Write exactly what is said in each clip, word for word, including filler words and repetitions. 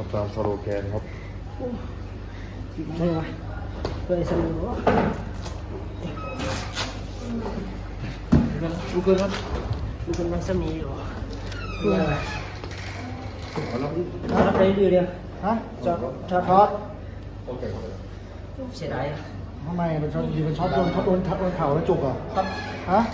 ตามสโลแกนครับใช่ไหมเพื่อสนุกดูกันครับดูกันมันสมีอยู่เพื่ออะไรรับไปเรื่อยๆฮะจอดจอดทอดเสียดายทำไมเป็นช็อตยิงเป็นช็อตโดนช็อตโดนโดนเข่าแล้วจุกอ่ะครับฮะ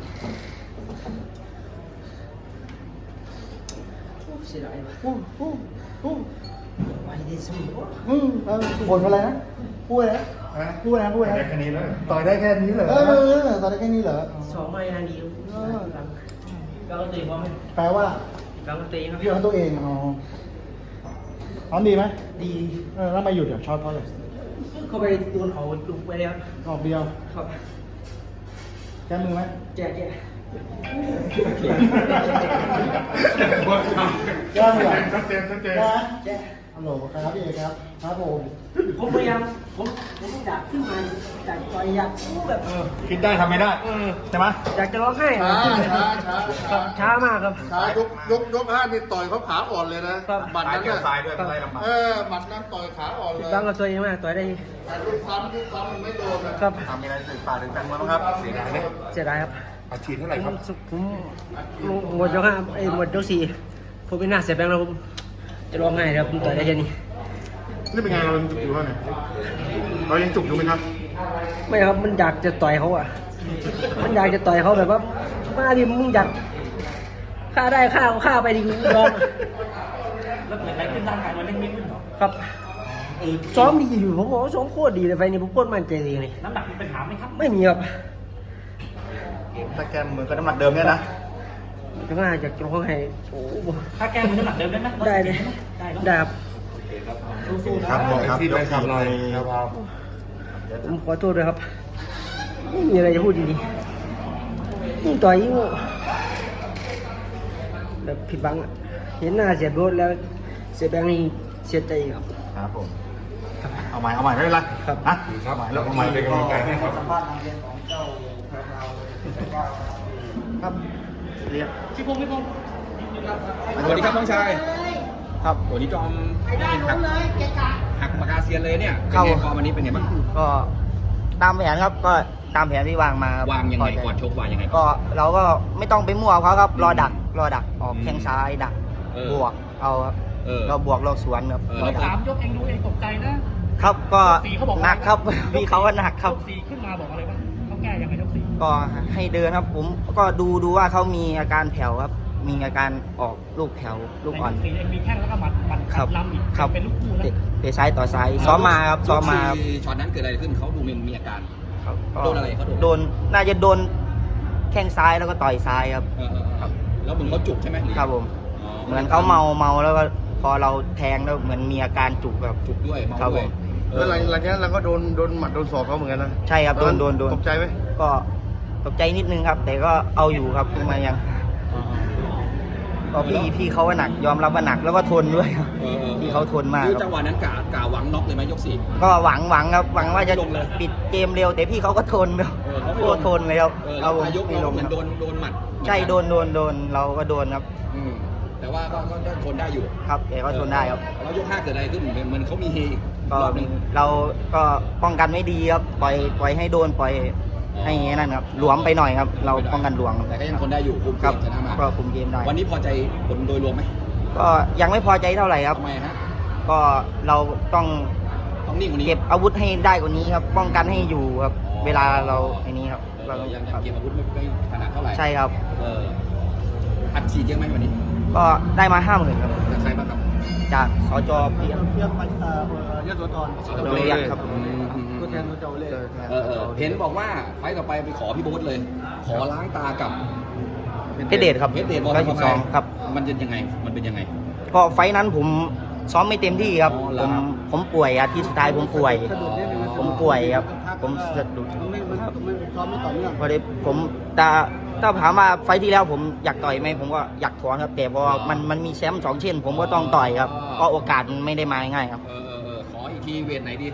เสียดายอู้อู้อู้ไปดีสมุนอืมเออผลอะไรนะพูดอะไรนะพูดอะไรนะพูดอะไรนะแค่นี้เลยต่อยได้แค่นี้เหรอเออต่อยได้แค่นี้เหรอสองไม้นาดีเราตีพร้อมไหมแปลว่าเราตีครับพี่เอาตัวเองอ๋อพร้อมดีไหมดีเออแล้วมาหยุดเดี๋ยวช็อตเพราะอะไรเขาไปโดนเขาลุกไปแล้วออกเดียวครับแก้มือไหมแก่แก่แก้มือชัดเจนชัดเจนนะฮัลโหลครับพี่เอกครับครับผมผมพยายามผมผมอยากขึ้นมาอยากต่อยอยากสู้แบบคิดได้ทำไม่ได้ใช่ไหมอยากจะร้องไห้ช้าช้าช้าช้ามากครับช้ายกยกยกห้านี่ต่อยเขาขาอ่อนเลยนะหมัดนั้นเนี่ยเออหมัดนั้นต่อยขาอ่อนเลยตั้งกับตัวเองมากต่อยได้แต่ลูกซ้ำลูกซ้ำมันไม่โดนนะครับทำอะไรสื่อป่าถึงแฟนมวยบ้างครับเสียดายไหมเสียดายครับอาชีพเท่าไหร่ครับผมหมดยกห้าไอ้หมดยกสี่ผมเป็นหน้าเสียแบงค์แล้วผมจะร้องไห้ครับผมต่อยได้แค่นี้นี่เป็นไงเรายังจุกอยู่วะเนี่ยเรายังจุกอยู่ไหมครับไม่ครับมันอยากจะต่อยเขาอ่ะมันอยากจะต่อยเขาแบบว่ามาดิมึงอยากฆ่าได้ฆ่าฆ่าไปดิร้องแล้วเกิดอะไรขึ้นร่างกายมันเล่นไม่ขึ้นหรอครับซ้อมดีอยู่ผมบอกว่าซ้อมโคตรดีเลยไฟนี้ผมโคตรมั่นใจเลยนี่น้ำหนักมีปัญหาไหมครับไม่มีครับถ้าแกมเหมือนกับน้ำหนักเดิมเนี่ยนะจะง่ายจากตรงข้างในโอ้ถ้าแกมือน้ำหนักเดิมได้ไหมได้เลยได้ครับครับบอกครับยกสี่หน่อยครับผมขอโทษด้วยครับไม่มีอะไรจะพูดดีๆยิ่งต่อยยิ่งแบบผิดบังเห็นหน้าเสียโบสแล้วเสียแบงค์นี่เสียใจครับครับผมเอาใหม่เอาใหม่ไม่เป็นไรครับนะครับแล้วเอาใหม่เป็นกำลังใจให้ครับครับเรียกชิพงชิพงสวัสดีครับน้องชายครับวันนี้จอมหักหักปากกาเซียนเลยเนี่ยเข้าฟอร์มวันนี้เป็นไงบ้างก็ตามแผนครับก็ตามแผนที่วางมาวางยังไงก่อนชกวางยังไงก็เราก็ไม่ต้องไปมั่วเขาครับรอดักรอดักออกแข้งซ้ายดักบวกเอาครับเราบวกเราสวนครับสามยกเองดูเองตกใจนะครับก็หนักครับพี่เขาก็หนักครับยกสี่ขึ้นมาบอกอะไรบ้างเขาแก้ยังไงยกสี่ก็ให้เดินครับผมก็ดูดูว่าเขามีอาการแผ่วครับมีอาการออกลูกแผ่วลูกอ่อนมีแข้งแล้วก็หมัดหมัดล้ำอีกเป็นลูกคู่นะเตะซ้ายต่อซ้ายซ้อมมาครับซ้อมมาช็อตนั้นเกิดอะไรขึ้นเขาดูมีอาการโดนอะไรเขาโดนน่าจะโดนแข้งซ้ายแล้วก็ต่อยซ้ายครับครับแล้วเหมือนเขาจุกใช่ไหมครับผมเหมือนเขาเมาเมาแล้วก็พอเราแทงแล้วเหมือนมีอาการจุกแบบจุกด้วยเมาด้วยแล้วหลังหลังจากนั้นเราก็โดนโดนหมัดโดนศอกเขาเหมือนกันนะใช่ครับโดนโดนโดนตกใจไหมก็ตกใจนิดนึงครับแต่ก็เอาอยู่ครับมายังก็พี่พี่เขาว่าหนักยอมรับว่าหนักแล้วก็ทนด้วยครับพี่เขาทนมากคือจังหวะนั้นกะกะหวังน็อกเลยไหมยกสี่ก็หวังหวังครับหวังว่าจะปิดเกมเร็วแต่พี่เขาก็ทนครับโคตรทนเลยครับเอายกไม่ลงโดนโดนหมัดใช่โดนโดนโดนเราก็โดนครับแต่ว่าก็ก็ทนได้อยู่ครับแต่ก็ทนได้ครับแล้วยกห้าเกิดอะไรขึ้นเหมือนเขามีเฮก็เราก็ป้องกันไม่ดีครับปล่อยปล่อยให้โดนปล่อยให้นั่นครับหลวมไปหน่อยครับเราป้องกันหลวมแต่ก็ยังทนได้อยู่คุมเกมชนะมาก็คุมเกมได้วันนี้พอใจผลโดยรวมไหมก็ยังไม่พอใจเท่าไหร่ครับทำไมฮะก็เราต้องต้องนิ่งกว่านี้เก็บอาวุธให้ได้กว่านี้ครับป้องกันให้อยู่ครับเวลาเราไอ้นี้ครับเรายังเก็บอาวุธไม่ขนาดเท่าไหร่ใช่ครับเอออัดฉีดเยอะไหมวันนี้ก็ได้มาห้าหมื่นครับจากใครบ้างครับจากสจเพียงเพียงมันยศธรโรงเรียนครับตัวแทนตัวเจ้าเล่เห็นบอกว่าไฟต่อไปไปขอพี่โบ๊ทเลยขอล้างตากับเพชรเดชครับเพชรเดชบอลสิบสองครับมันเป็นยังไงมันเป็นยังไงก็ไฟนั้นผมซ้อมไม่เต็มที่ครับผมผมป่วยอาทิตย์สุดท้ายผมป่วยผมป่วยครับผมสะดุดพอดีผมแต่ถ้าถามว่าไฟที่แล้วผมอยากต่อยไหมผมก็อยากถอนครับแต่พอมันมันมีแชมป์สองเช่นผมก็ต้องต่อยครับก็โอกาสมันไม่ได้มาง่ายครับเออขออีกทีเวทไหนดี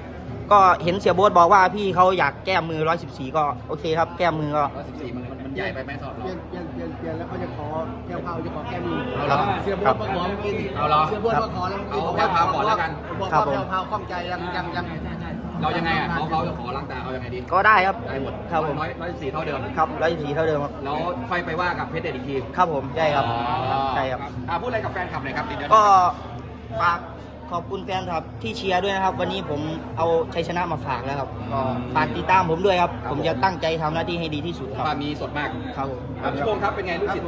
ก็เห็นเสียโบ๊ทบอกว่าพี่เขาอยากแก้มือร้อยสิบสี่ก็โอเคครับ แก้มือก็ร้อยสิบสี่มันมันใหญ่ไปไหมสำหรับเปลี่เรายนเปลี่ยนเปลี่ยนเปลี่ยนแล้วเขาจะขอแก้วเผาจะขอแก้มือเอาเหรอเสียโบดมาขอเมื่อกี้เอาเหรอเสียโบดมาขอแล้วเอาแก้วเผาก่อนแล้วกันบอกครัว่าบผมแก้วเผาข้องใจยังยังยังเรายังไงอ่ะเขาเขาจะขอล้างตาเอายังไงดีก็ได้ครับได้หมดครับผมร้อยร้อยสิบสี่เท่าเดิมครับร้อยสิบสี่เท่าเดิมครับแล้วค่อยไปว่ากับเพชรเดชอีกทีครับผมใช่ครับใช่ครับอ่าพูดอะไรกับแฟนคลับหน่อยครับเดี๋ยวก็ฝากขอบคุณแฟนครับที่เชียร์ด้วยนะครับ วันนี้ผมเอาชัยชนะมาฝากแล้วครับก็ฝากติดตามผมด้วยครับ ผมจะตั้งใจทำหน้าที่ให้ดีที่สุดครับปามีสดมากครับผมอ่ะพี่โบงครับเป็นไงลูกศิษย์